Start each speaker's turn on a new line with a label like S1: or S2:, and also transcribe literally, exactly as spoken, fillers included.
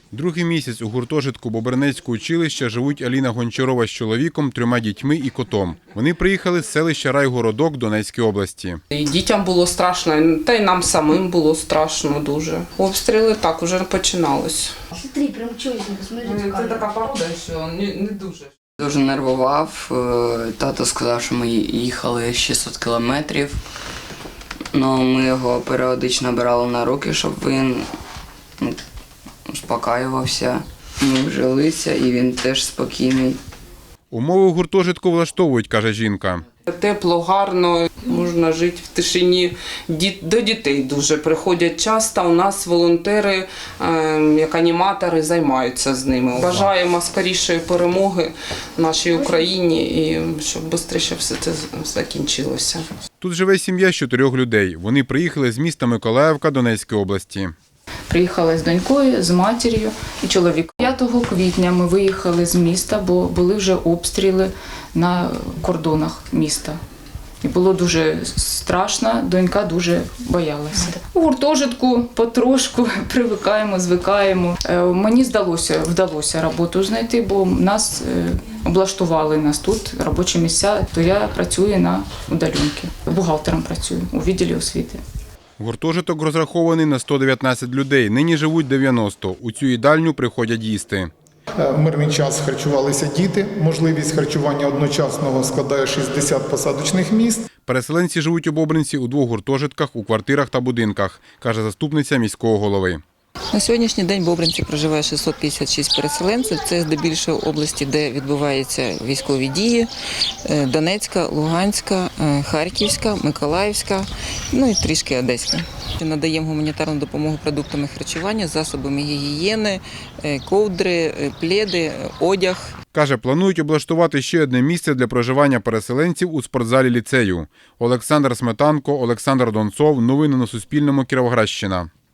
S1: Другий місяць у гуртожитку Бобринецького училища живуть Аліна Гончарова з чоловіком, трьома дітьми і котом. Вони приїхали з селища Райгородок Донецької області.
S2: І дітям було страшно, та й нам самим було страшно дуже. Обстріли так уже починалось.
S3: Смотри, прям чуєш, посмотри.
S2: Це така порода, що не, не дуже.
S4: Дуже нервував. Тато сказав, що ми їхали шістсот кілометрів. Но ми його періодично брали на руки, щоб він ну, успокаювався. Ми вжилися і він теж спокійний.
S1: Умови у гуртожитку влаштовують, каже жінка.
S2: Тепло, гарно, можна жити в тишині. До дітей дуже приходять часто. У нас волонтери, як аніматори, займаються з ними. Бажаємо скорішої перемоги нашій Україні і щоб швидше все це закінчилося.
S1: Тут живе сім'я з чотирьох людей. Вони приїхали з міста Миколаївка Донецької області.
S5: Приїхала з донькою, з матір'ю і чоловіком. п'ятого квітня ми виїхали з міста, бо були вже обстріли на кордонах міста. І було дуже страшно, донька дуже боялася. У гуртожитку потрошку привикаємо, звикаємо. Мені здалося, вдалося роботу знайти, бо нас облаштували, нас тут робочі місця, то я працюю на удаленці. Бухгалтером працюю у відділі освіти.
S1: Гуртожиток розрахований на сто дев'ятнадцять людей, нині живуть дев'яносто. У цю їдальню приходять їсти.
S6: В мирний час харчувалися діти. Можливість харчування одночасного складає шістдесят посадочних місць.
S1: Переселенці живуть у Бобринці у двох гуртожитках, у квартирах та будинках, каже заступниця міського голови.
S7: На сьогоднішній день в Бобринці проживає шістсот п'ятдесят шість переселенців. Це здебільшого області, де відбуваються військові дії. Донецька, Луганська, Харківська, Миколаївська, ну і трішки Одеська. Надаємо гуманітарну допомогу продуктами харчування, засобами гігієни, ковдри, пледи, одяг.
S1: Каже, планують облаштувати ще одне місце для проживання переселенців у спортзалі ліцею. Олександр Сметанко, Олександр Донцов. Новини на Суспільному. Кіровоградщина.